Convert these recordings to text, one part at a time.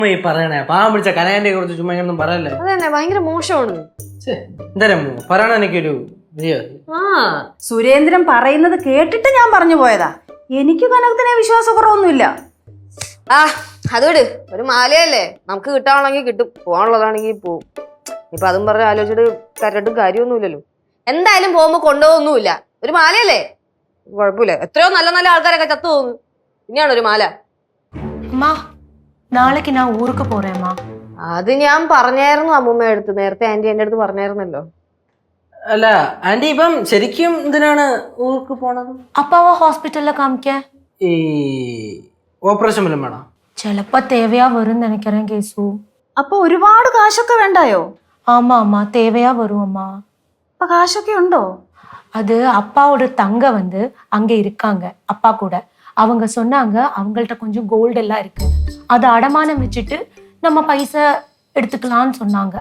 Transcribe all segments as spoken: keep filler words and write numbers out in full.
ഈ പറയണേ പാവം പിടിച്ച കനകന്റെ കുറിച്ച് ചുമ്മാ ഒന്നും പറയല്ലേ. അതന്നെ ഭയങ്കര മോശമാണ്. എന്തായാലും പറയണ എനിക്കൊരു ആ സുരേന്ദ്രൻ പറയുന്നത് കേട്ടിട്ട് ഞാൻ പറഞ്ഞു പോയതാ. എനിക്ക് കനകത്തിനെ വിശ്വാസക്കുറവൊന്നുമില്ല. ആ അതോട് ഒരു മാലയല്ലേ, നമുക്ക് കിട്ടാണെങ്കിൽ കിട്ടും, പോകാനുള്ളതാണെങ്കിൽ പോവും. ഇപ്പൊ അതും പറഞ്ഞ് ആലോചിച്ചിട്ട് കരട്ടും കാര്യമൊന്നുമില്ലല്ലോ. എന്തായാലും പോകുമ്പോ കൊണ്ടുപോകൊന്നുമില്ല, ഒരു മാലയല്ലേ കുഴപ്പമില്ല. എത്രയോ നല്ല നല്ല ആൾക്കാരൊക്കെ ചത്തു പോകുന്നു, പിന്നെയാണ് ഒരു മാല. നാളേക്ക് ഞാൻ ഊർക്ക് പോറേമ്മാ. അത് ഞാൻ പറഞ്ഞായിരുന്നു അമ്മൂമ്മ അടുത്ത്, നേരത്തെ ആന്റി എന്റെ അടുത്ത് പറഞ്ഞായിരുന്നല്ലോ. അല്ല ആന്റി ഇപ്പം ശരിക്കും എന്തിനാണ് ഊർക്ക് പോണത്? അപ്പാവോ ഹോസ്പിറ്റലിൽ കാണിക്കാൻ ഈ ഓപ്പറേഷൻ വല്ലതും വേണം? ചിലപ്പോ തേവയാ വരും നിனைக்கிறேன் കേസു. അപ്പൊ ഒരുപാട് കാശൊക്കെ വേണ്ടായോ? ஆமா அம்மா தேவையா வரும் அம்மா. അപ്പൊ കാശൊക്കെ ഉണ്ടോ? அது அப்பாவோட தங்க வந்து அங்க இருக்காங்க அப்பா கூட. அவங்க சொன்னாங்க அவங்கள்ட்ட கொஞ்சம் கோல்டு எல்லாம் இருக்கு, அதை அடமானம் வச்சுட்டு நம்ம பைசா எடுத்துக்கலாம்னு சொன்னாங்க.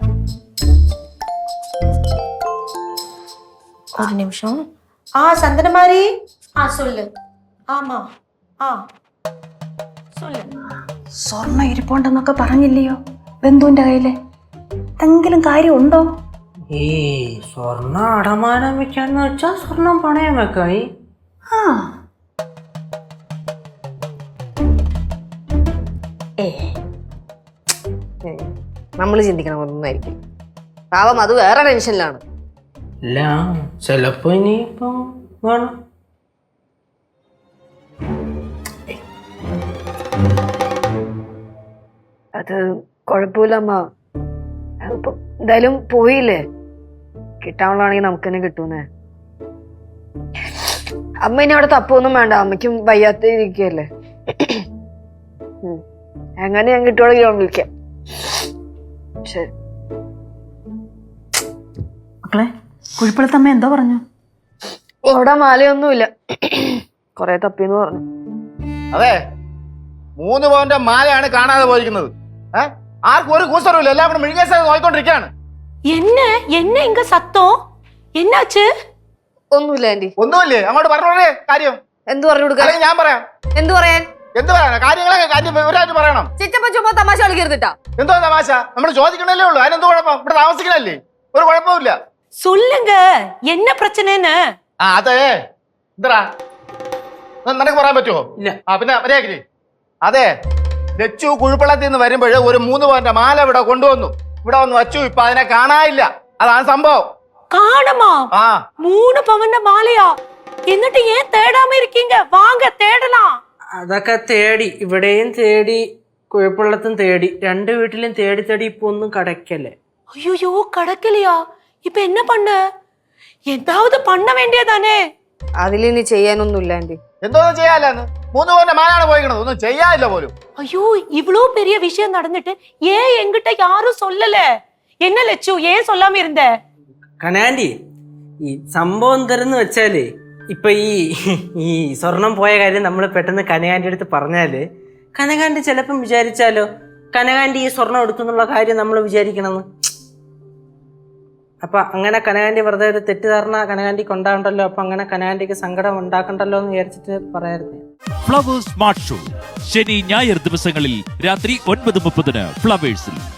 ஒரு நிமிஷம். ஆ சந்தனமாரி, ஆ சொல்லு. ஆமா ആ சொல்லு. സ്വർണ്ണം ഇരിപ്പുണ്ടെന്നൊക്കെ പറഞ്ഞില്ലയോ ബന്ധുവിന്റെ കയ്യില്? എന്തെങ്കിലും കാര്യം ഉണ്ടോ? ഈ സ്വർണ്ണം അടമാനം വെക്കാന്ന് വെച്ചാ സ്വർണം പണയം വെക്കായി. ആ ഏ നമ്മള് ചിന്തിക്കണം ഒന്നായിരിക്കും. പാവം അത് വേറെ ടെൻഷനിലാണ്. ഇല്ല ചിലപ്പോ ഇനിയിപ്പം വേണം. അത് കുഴപ്പമില്ല അമ്മ, അതിപ്പോ എന്തായാലും പോയില്ലേ, കിട്ടാനുള്ളതാണെങ്കിൽ നമുക്ക് തന്നെ കിട്ടൂന്നേ. അമ്മ ഇനി അവിടെ തപ്പൊന്നും വേണ്ട, അമ്മയ്ക്കും വയ്യാത്ത ഇരിക്കല്ലേ. എങ്ങനെ ഞാൻ കിട്ടുവാണെങ്കിൽ ഞാൻ വിളിക്കാം. ശരി മക്കളെ, കുഴിപ്പള്ളത്തമ്മ എന്തോ പറഞ്ഞു? അവിടെ മാലയൊന്നുമില്ല, കൊറേ തപ്പിന്ന് പറഞ്ഞു. അതെ, മൂന്ന് പവന്റെ മാലയാണ് കാണാതെ പോയിരിക്കുന്നത്. ഏഹ് ആർക്കും ഒരു കൂസറുമില്ല, എല്ലാം കൂടെ മിഴുകേസ നോക്കിക്കൊണ്ടിരിക്കുകയാണ്. என்ன என்ன இங்க சத்தம் என்னாச்சு? ഒന്നുമില്ല ആന്റി. ഒന്നുമില്ലേ? അങ്ങോട്ട് പറഞ്ഞോളേ കാര്യം. എന്ത് പറഞ്ഞു കൊടുക്കാൻ? ഞാൻ പറയാം. എന്ത് പറയാൻ? എന്ത് പറയാനാ? കാര്യങ്ങളൊക്കെ കാര്യം വിവരമായിട്ട് പറയണം. ചിറ്റപ്പ ചുമ്മാ തമാശ കളിക്കരുതിട്ടാ. എന്തോ തമാശ? നമ്മൾ ചോദിക്കണല്ലേ ഉള്ളൂ, അതിനെന്തോ കുഴപ്പം? ഇവിടെ താമസിക്കണല്ലേ, ഒരു കുഴപ്പമില്ല. சொல்லுங்க என்ன பிரச்சனைன்னு. ആ അതെ, എന്താ നിനക്ക് പറയാൻ പറ്റുമോ? ഇല്ല. ആ പിന്നെ മര്യാദക്ക്. അതെ, ലച്ചു കുഴിപ്പള്ളത്തിൽ നിന്ന് വരുമ്പോഴേ ഒരു മൂന്ന് പവന്റെ മാല ഇവിടെ കൊണ്ടുവന്നു, ഇവിടെ വന്ന് വച്ചു. ഇപ്പൊ അതിനെ കാണാനില്ല, അതാണ് സംഭവം. காணுமா? ആ மூணு பவன் மாலையா? എന്നിട്ട് ஏன் தேடாம இருக்கீங்க? வாங்க தேடலாம். അതൊക്കെ തേടി, ഇവിടെയും തേടി കുഴപ്പമുള്ളത്തും തേടി, രണ്ട് വീട്ടിലും തേടി തേടി ഇപ്പൊ ഒന്നും കടക്കല്ലേ. ஐயோ கடக்கலையா? இப்ப என்ன பண்ண? ஏதாவது பண்ண வேண்டியதானே? അതിലിനി ചെയ്യാനൊന്നുമില്ല ആന്റി. എന്തോന്നും ചെയ്യാല്ലെന്ന്, മൂന്ന് പവന്റെ മാലാണ് പോയിക്കണത്, ഒന്നും ചെയ്യാനില്ല പോലും. ஐயோ இவ்ளோ பெரிய விஷயம் நடந்துட்டு ஏன் என்கிட்ட யாரும் சொல்லல? என்ன லட்சு ஏன் சொல்லாம இருந்த? കനാൻഡി, ഈ സംഭവം എന്തെന്ന് വെച്ചാല് ഇപ്പൊ ഈ ഈ സ്വർണം പോയ കാര്യം നമ്മൾ പെട്ടെന്ന് കനകാന്റെ അടുത്ത് പറഞ്ഞാല് കനകാന്റി ചിലപ്പം വിചാരിച്ചാലോ കനകാന്റി ഈ സ്വർണം എടുക്കുന്നുള്ള കാര്യം നമ്മൾ വിചാരിക്കണമെന്ന്. അപ്പൊ അങ്ങനെ കനകാന്റി വെറുതെ ഒരു തെറ്റിദ്ധാരണ കനകാന്റിക്ക് ഉണ്ടാകണ്ടല്ലോ, അപ്പൊ അങ്ങനെ കനകാന്റിക്ക് സങ്കടം ഉണ്ടാക്കണ്ടല്ലോ എന്ന് വിചാരിച്ചിട്ട് പറയായിരുന്നു. ഫ്ലവേഴ്സ് സ്മാർട്ട് ഷോ ശനി ഞായർ ദിവസങ്ങളിൽ രാത്രി ഒൻപത് മുപ്പതിന് ഫ്ലവേഴ്സിൽ.